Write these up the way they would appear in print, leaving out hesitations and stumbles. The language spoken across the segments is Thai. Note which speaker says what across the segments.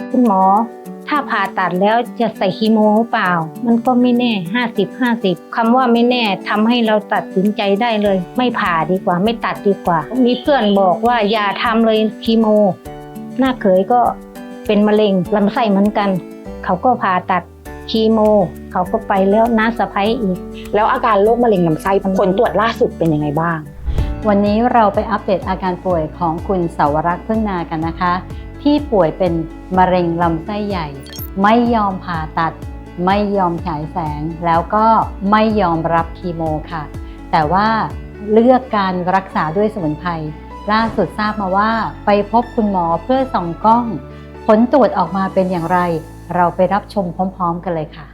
Speaker 1: คุณหมอถ้าผ่าตัดแล้วจะใส่คีโมหรือเปล่ามันก็ไม่แน่50-50คำว่าไม่แน่ทำให้เราตัดสินใจได้เลยไม่ผ่าดีกว่าไม่ตัดดีกว่ามีเพื่อนบอกว่าอย่าทำเลยคีโมหน้าเขยก็เป็นมะเร็งลำไส้เหมือนกันเขาก็ผ่าตัดคีโมเขาก็ไปแล้วน้าสะใภ้อีก
Speaker 2: แล้วอาการโรคมะเร็งลำไส้ผลตรวจล่าสุดเป็นยังไงบ้าง
Speaker 3: วันนี้เราไปอัปเดตอาการป่วยของคุณเสาวรักษ์พึ่งนากันนะคะที่ป่วยเป็นมะเร็งลำไส้ใหญ่ไม่ยอมผ่าตัดไม่ยอมฉายแสงแล้วก็ไม่ยอมรับคีโมค่ะแต่ว่าเลือกการรักษาด้วยสมุนไพรล่าสุดทราบมาว่าไปพบคุณหมอเพื่อส่องกล้องผลตรวจออกมาเป็นอย่างไรเราไปรับชมพร้อมๆกันเลยค่ะ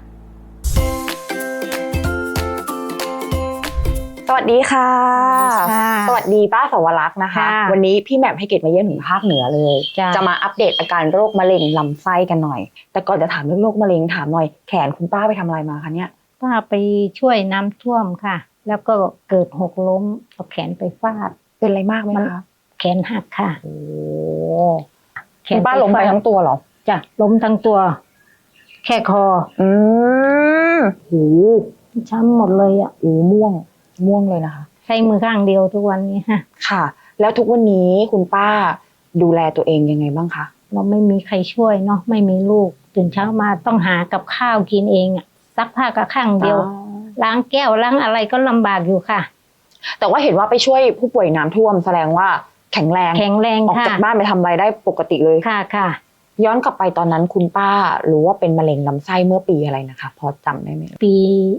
Speaker 2: สวัสดีค่ะสวัสดีป้าสาวรักษ์นะคะวันนี้พี่แหม่มให้เกียรติมาเยี่ยมถึงภาคเหนือเลยจะมาอัปเดตอาการโรคมะเร็งลำไส้กันหน่อยแต่ก่อนจะถามเรื่องโรคมะเร็งถามหน่อยแขนคุณป้าไปทำอะไรมาคะเนี่ย
Speaker 1: ป้าไปช่วยน้ำท่วมค่ะแล้วก็เกิดหกล้มเอาแขนไปฟาด
Speaker 2: เป็นอะไรมากไหมคะ
Speaker 1: แขนหักค่ะ
Speaker 2: โอ้คุณป้าล้มไปทั้งตัวเหรอ
Speaker 1: จ้ะล้มทั้งตัวแค่คอ
Speaker 2: หู
Speaker 1: ช้ำหมดเลยอ่ะ
Speaker 2: ม่วงเลยนะคะ
Speaker 1: ใช้มือข้างเดียวทุกวันนี้
Speaker 2: ค่ะแล้วทุกวันนี้คุณป้าดูแลตัวเองยังไงบ้างคะ
Speaker 1: เราไม่มีใครช่วยเนาะไม่มีลูกตื่นเช้ามาต้องหากับข้าวกินเองอ่ะซักผ้ากับข้างเดียวล้างแก้วล้างอะไรก็ลำบากอยู่ค่ะ
Speaker 2: แต่ว่าเห็นว่าไปช่วยผู้ป่วยน้ำท่วมแสดงว่าแข็งแรงออกจากบ้านไปทำอะไรได้ปกติเลย
Speaker 1: ค่ะ
Speaker 2: ย้อนกลับไปตอนนั้นคุณป้ารู้ว่าเป็นมะเร็งลำไส้เมื่อปีอะไรนะคะพอจำได้ไหม
Speaker 1: ปี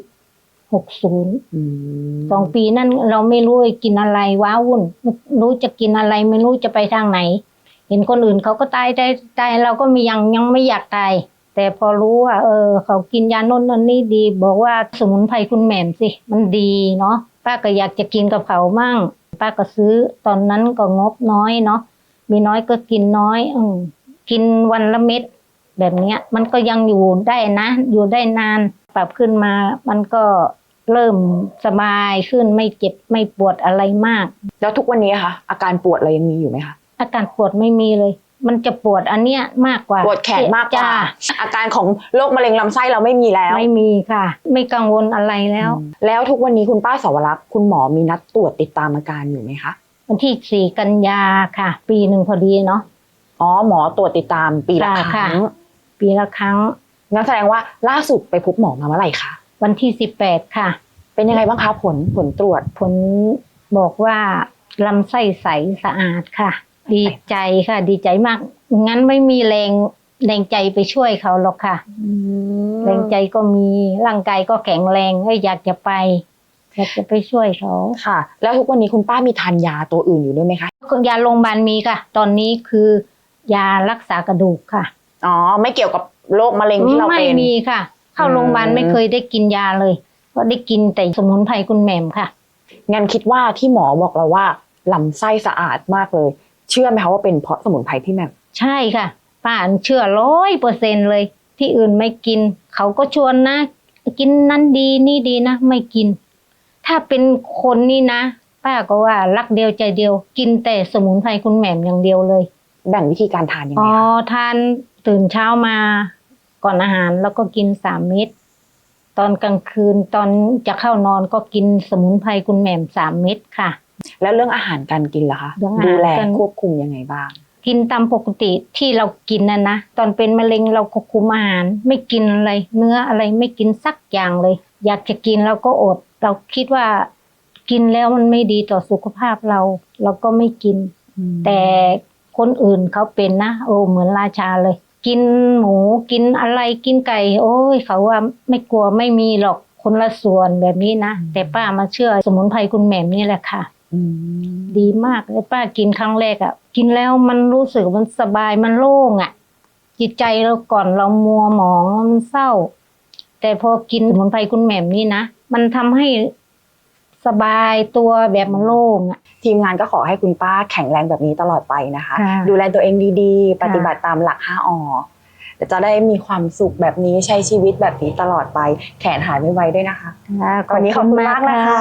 Speaker 1: 60 2 ปีนั่นเราไม่รู้กินอะไรว้าวุ่นไม่รู้จะกินอะไรไม่รู้จะไปทางไหนเห็นคนอื่นเขาก็ตายเราก็ยังไม่อยากตายแต่พอรู้ว่าเขากินยาโน่นนั่นนี่ดีบอกว่าสมุนไพรคุณแหม่มสิมันดีเนาะป้าก็อยากจะกินกับเขามั่งป้าก็ซื้อตอนนั้นก็งบน้อยเนาะมีน้อยก็กินน้อยกินวันละเม็ดแบบนี้มันก็ยังอยู่ได้นะอยู่ได้นานปรับขึ้นมามันก็เริ่มสบายขึ้นไม่เจ็บไม่ปวดอะไรมาก
Speaker 2: แล้วทุกวันนี้คะอาการปวดอะไรยังมีอยู่ไหมคะ
Speaker 1: อาการปวดไม่มีเลยมันจะปวดอันเนี้ยมากกว่า
Speaker 2: ปวดแขนมากกว่าอาการของโรคมะเร็งลำไส้เราไม่มีแล้ว
Speaker 1: ไม่มีค่ะไม่กังวลอะไร
Speaker 2: แล้วทุกวันนี้คุณป้าสาวรักษ์คุณหมอมีนัดตรวจติดตามอาการอยู่ไหมคะ
Speaker 1: วันที่4 กันยาค่ะปีหนึ่งพอดีเนาะ
Speaker 2: อ๋อหมอตรวจติดตามปีละครั้งงั้นแสดงว่าล่าสุดไปพบหมอมาเมื่อไหร่คะ
Speaker 1: วันที่18ค่ะ
Speaker 2: เป็นยังไงบ้างคะผลตรวจ
Speaker 1: ผลบอกว่าลำไส้ใสสะอาดค่ะดีใจค่ะดีใจมากงั้นไม่มีแรงใจไปช่วยเขาหรอกค่ะแรงใจก็มีร่างกายก็แข็งแรงอยากจะไปช่วยเขา
Speaker 2: ค่ะแล้วทุกวันนี้คุณป้ามีทานยาตัวอื่นอยู่ด้วยไหมคะ
Speaker 1: ยาโรงพยาบาลมีค่ะตอนนี้คือยารักษากระดูกค่ะ
Speaker 2: อ๋อไม่เกี่ยวกับโรคมะเร็งที่เราเป็น
Speaker 1: ไม่มีค่ะเข้าโรงพยาบาลไม่เคยได้กินยาเลยก็ได้กินแต่สมุนไพรคุณแหม่มค่ะ
Speaker 2: งั้นคิดว่าที่หมอบอกเราว่าลำไส้สะอาดมากเลยเชื่อไหมคะว่าเป็นเพราะสมุนไพรพี่แหม่ม
Speaker 1: ใช่ค่ะป้าเชื่อ100%เลยที่อื่นไม่กินเขาก็ชวนนะกินนั้นดีนี่ดีนะไม่กินถ้าเป็นคนนี่นะป้าก็ว่ารักเดียวใจเดียวกินแต่สมุนไพรคุณแหม่มอย่างเดียวเลย
Speaker 2: แบ่งวิธีการทานยังไงคะ
Speaker 1: ทานตื่นเช้ามาก่อนอาหารแล้วก็กิน3 เม็ดตอนกลางคืนตอนจะเข้านอนก็กินสมุนไพรคุณแหม่ม3 เม็ดค่ะ
Speaker 2: แล้วเรื่องอาหารการกินล่ะคะดูแลควบคุมยังไงบ้าง
Speaker 1: กินตามปกติที่เรากินนะตอนเป็นมะเร็งเราควบคุมอาหารไม่กินอะไรเนื้ออะไรไม่กินสักอย่างเลยอยากจะกินเราก็อดเราคิดว่ากินแล้วมันไม่ดีต่อสุขภาพเราก็ไม่กินแต่คนอื่นเขาเป็นนะเหมือนราชาเลยกินหมูกินอะไรกินไก่โอ้ยเขาว่าไม่กลัวไม่มีหรอกคนละส่วนแบบนี้นะแต่ป้ามาเชื่อสมุนไพรคุณแหม่มนี่แหละค่ะดีมากเลยป้ากินครั้งแรกกินแล้วมันรู้สึกมันสบายมันโล่งจิตใจเราก่อนเรามัวหมองมันเศร้าแต่พอกินสมุนไพรคุณแหม่มนี่นะมันทำให้สบายตัวแบบมันโล่ง
Speaker 2: ทีมงานก็ขอให้คุณป้าแข็งแรงแบบนี้ตลอดไปนะคะดูแลตัวเองดีๆปฏิบัติตามหลัก5 อ.จะได้มีความสุขแบบนี้ใช้ชีวิตแบบนี้ตลอดไปแขนหายไม่ไวด้วยนะคะวันนี้ขอบคุณมากนะคะ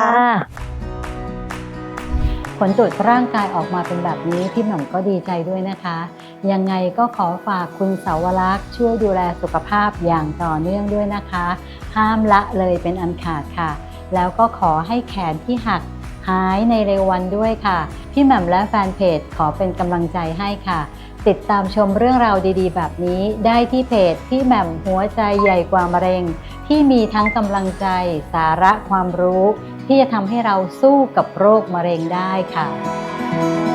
Speaker 3: ผลตรวจร่างกายออกมาเป็นแบบนี้พี่หม่อมก็ดีใจด้วยนะคะยังไงก็ขอฝากคุณเสาวรักษ์ช่วยดูแลสุขภาพอย่างต่อเนื่องด้วยนะคะห้ามละเลยเป็นอันขาดค่ะแล้วก็ขอให้แขนที่หักหายในเร็ววันด้วยค่ะพี่แหม่มและแฟนเพจขอเป็นกำลังใจให้ค่ะติดตามชมเรื่องราวดีๆแบบนี้ได้ที่เพจพี่แหม่มหัวใจใหญ่กว่ามะเร็งที่มีทั้งกำลังใจสาระความรู้ที่จะทำให้เราสู้กับโรคมะเร็งได้ค่ะ